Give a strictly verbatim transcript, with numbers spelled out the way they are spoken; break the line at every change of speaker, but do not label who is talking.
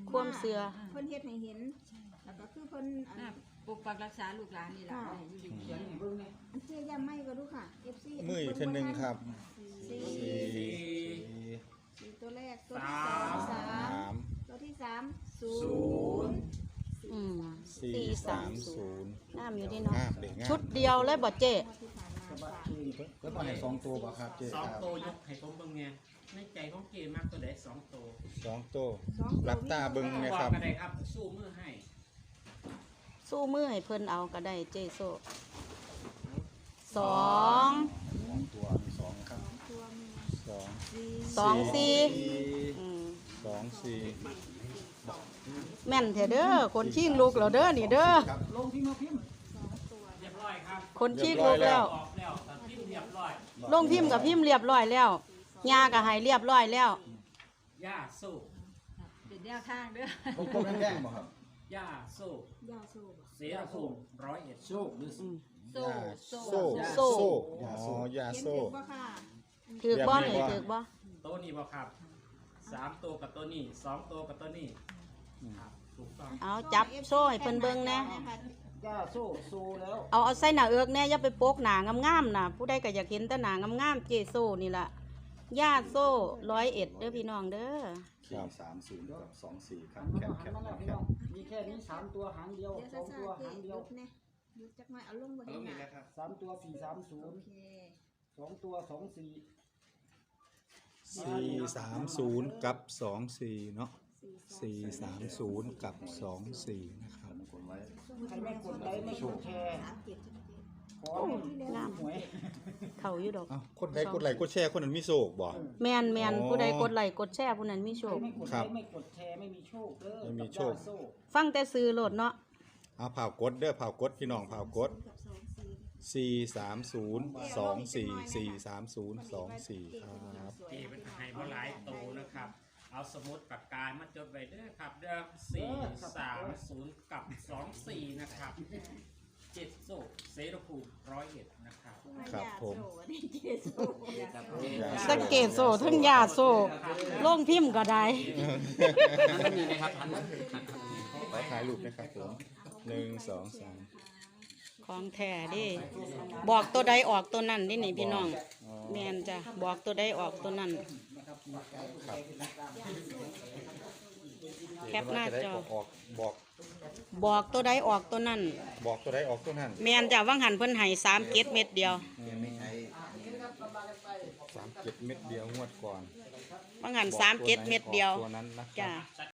ความเชื่อ
เพิ่นเฮ็ดให้เห็นแล้วก็คือเพิ่นอัน
ปกปักรักษาลูกหลานนี่แหละอยู่ดีเขียนให้เบิ่งนี่
อันเจ๊ย่ำไม่ก็ดูค่ะ เอฟ ซี
มืออีกทีนึงครับ
สี่
สี่
สี่ตัวแรกตัวที่สองสามตัวที่สามศูนย์
อืม
สี่สามศูนย์
งามอยู่ดีเนาะ
งามเด็กงาม
ชุดเดียวเลยบ่เจ๊
ที่ผ่านมา
สะบัดเอง
เพิ่นมาให้สองตัวบ่ครับเจ๊
สอง
ครับ
โตยกให้ผมเบิ่งไงในใจของเกมากตัวใดสองโต
สองตัว
สองตัว
รับตาเบิ่ง
บ
นะ
อก
ครับ
ก็ได้ครับสู้มือให้
สู้มือให้เพิ่นเอาก็ได้เจ๊โซสอง
สองตัวมีสองครับ
ตัวมี
สอง
สี่
สองสี่อืม
สองสี่
แม่นแท้เด้อคนชิงลูกแล้วเด้อนี่เด้อ
ครับ
ลงพิมพ์มาพิมพ์
สองตัว
เรียบร้อยครับ
คนชิงลูกแล้ว
ออกแล้วแต่พิมพ์เรียบร้อย
ลงพิมพ์กับพิมพ์เรียบร้อยแล้วยาก็ให้เรียบร้อยแล้ว
ย่าสู้
เป็นแนวทางเด้อ
วงกลมแดงๆบ่ครับ
ย่าสู้
ยาสูบ
เสียภูมิร้อยเอ็ด
โชคหรือ
อืม
โซ่
โซ่
โซ่
โซ่อ๋อยา
เขียน
โซ่
ถูกปะค่ะ
ถือบ่นี่ถือบ่
ตัวนี้บ่ครับสามตัวกับตัวนี้สองตัวกับตัวนี้ครับถูกต้อง
เอาจับโซ่ให้เพิ่นเบิ่งแหน่
ย่าโซ่โซ่แล้ว
เอาเอาใส่หน้าเอือกแหน่อย่าไปโปกหน้างามๆน่ะผู้ใดก็อยากเห็นแต่หน้างามๆเจโซ่นี่ล่ะย่าโซ่ร้อยเอ็ดเด้อพี่น้องเด้อ
สี่สามศูนย์กับสองสี่ครั
หั
บ
น
แค
มา
ป
แล้ว
แค
หัน
ป
มาแล้ว
แคป
พี่น้องมีแค่นี้สามตัวหางเดียว
เดี๋ยว
สอง
ซ่า
ตัว
ๆเจ๊
หางเดี
ห
ยว
ยุดเนี่ยหยุดจักหน่อยเอาลงบ่ได้หนา
สามตัวสี่สามศู
โอน
ย์
เค
สองตัวสองสี่
สี่สามศูนย์กับสองสี่เนาะ
สี่
สี่สามศูนย์กับสองสี่นะครับ
ใครไม่กดไลค์ไม่กดแชร์
สามเจ็ดใช่ไหมเจ๊
ขอให้หวย
เข้าอยู่ดอก
อ้าวคนใดกดไลค์กดแชร์คนนั้นมีโชคบ่
แม่นแม่น
อ๋อ
ผู้ใดกดไลค์กดแชร์ผู้นั้นมีโช
ใคร
ค
ไม่กด
ค
ไล
รับ
ค์ไม่กดแชร์ไม่มีโชคเด้อ
ไม่มีโชค
กับย่าโซ่
ฟังแต่ซื้อโลดเนาะ
เอาเผากดเด้อเผากดพี่น้องเผากด
กับสองสี่
สี่สามศูนย์สองสี่สี่สามศูนย์สองสี่ครับ
เกเป็นให้บ่หลายโตนะครับ เอาสมุดปากกามาจดไว้เด้อครับเด้อสี่สามศูนย์กับสองสี่นะครับเจ็ดโซ่เซรภูมิร้อยเอ็ดนะครับ
ครับผม
อันนี้เจ๊โซ่
สังเกตโซ่ทั้งยาโซ่ลงพิมพ์ก็ได้
นั่นนี่นะครับพัน
ขอถ่ายรูปนะครับผมหนึ่งสองสาม
ของแท้เดิบอกตัวใดออกตัวนั้นนี่นี่พี่น้องแม่นจ้ะบอกตัวใดออกตัวนั้น แคปหน้าจอ
ออกบอก
บอกตัวใดออกตัวนั้น
บอกตัวใดออกตัวนั้น
แม่นจ้ะว่างหันเพิ่นให้สามเกตเม็ดเดียว
สามเจ็ดเม็ดเดียวงวดก่อน
ว่างหันสามเกตเม็ดเดียว
ตัวนั้นนะครั
จ้ะ
บ